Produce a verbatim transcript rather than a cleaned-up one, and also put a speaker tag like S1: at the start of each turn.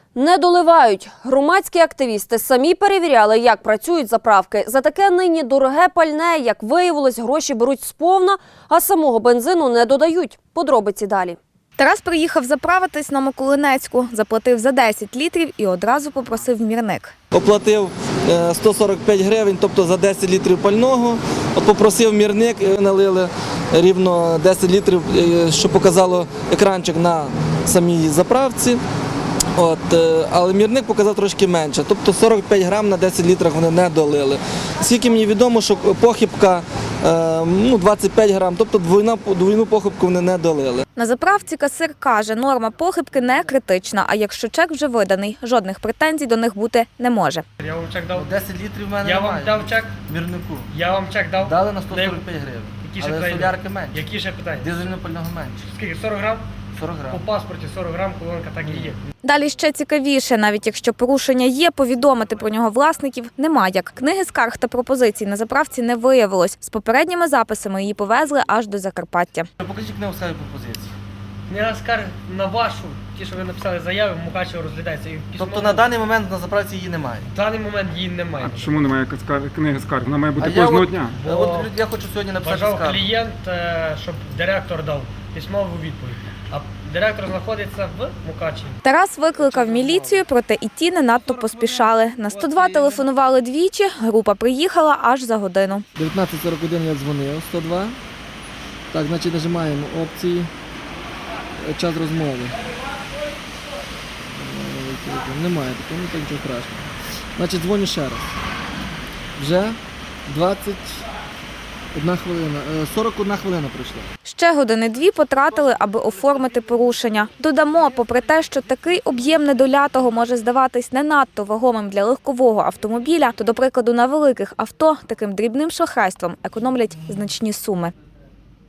S1: Не доливають. Громадські активісти самі перевіряли, як працюють заправки. За таке нині дороге пальне, як виявилось, гроші беруть сповна, а самого бензину не додають. Подробиці далі.
S2: Тарас приїхав заправитись на Миколинецьку, заплатив за десять літрів і одразу попросив мірник.
S3: Оплатив сто сорок п'ять гривень, тобто за десять літрів пального. От попросив мірник, налили рівно десять літрів, що показало екранчик на самій заправці. От, але мірник показав трошки менше, тобто сорок п'ять грам на десять літрів вони не долили. Скільки мені відомо, що похибка ну, двадцять п'ять грам, тобто двойну, двойну похибку вони не долили.
S2: На заправці касир каже, норма похибки не критична, а якщо чек вже виданий, жодних претензій до них бути не може.
S4: Я вам чек дав.
S3: десять літрів в мене
S4: Я
S3: немає.
S4: вам дав чек.
S3: Мірнику.
S4: Я вам чек дав.
S3: Дали на сто сорок п'ять гривень,
S4: Які ще
S3: але
S4: питання?
S3: солярки менше.
S4: Які ще питання?
S3: Дизельного пального менше.
S4: Скільки? сорок грам?
S3: сорок
S4: По
S3: грам.
S4: паспорті сорок грам, колонка так і є.
S2: Далі ще цікавіше, навіть якщо порушення є, повідомити про нього власників нема як. Книги скарг та пропозицій на заправці не виявилось. З попередніми записами її повезли аж до Закарпаття.
S3: Покажіть книгу скарги пропозиції.
S4: Не скарг на вашу, ті, що ви написали заяви, в Мукачево розглядається. І письмо-
S3: Тобто на даний момент на заправці її немає.
S4: В даний момент її немає.
S5: А чому немає скар- книги скарг? Вона має бути
S3: А я
S5: кожного
S3: от-
S5: дня.
S4: Бо
S3: От я хочу сьогодні написати
S4: Бажав
S3: скаргу.
S4: клієнт, е, щоб директор дав письмову відповідь. А директор знаходиться в Мукачеві.
S2: Тарас викликав міліцію, проте і ті не надто поспішали. На сто два телефонували двічі, група приїхала аж за годину.
S6: дев'ятнадцять сорок один я дзвонив, сто два. Так, значить нажимаємо опції, час розмови. Немає такого, ну так нічого страшного. Значить дзвоню ще раз. Вже двадцять одна хвилина, сорок одна хвилина пройшла.
S2: Ще години-дві потратили, аби оформити порушення. Додамо, попри те, що такий об'єм недолятого може здаватись не надто вагомим для легкового автомобіля, то, до прикладу, на великих авто таким дрібним шахрайством економлять значні суми.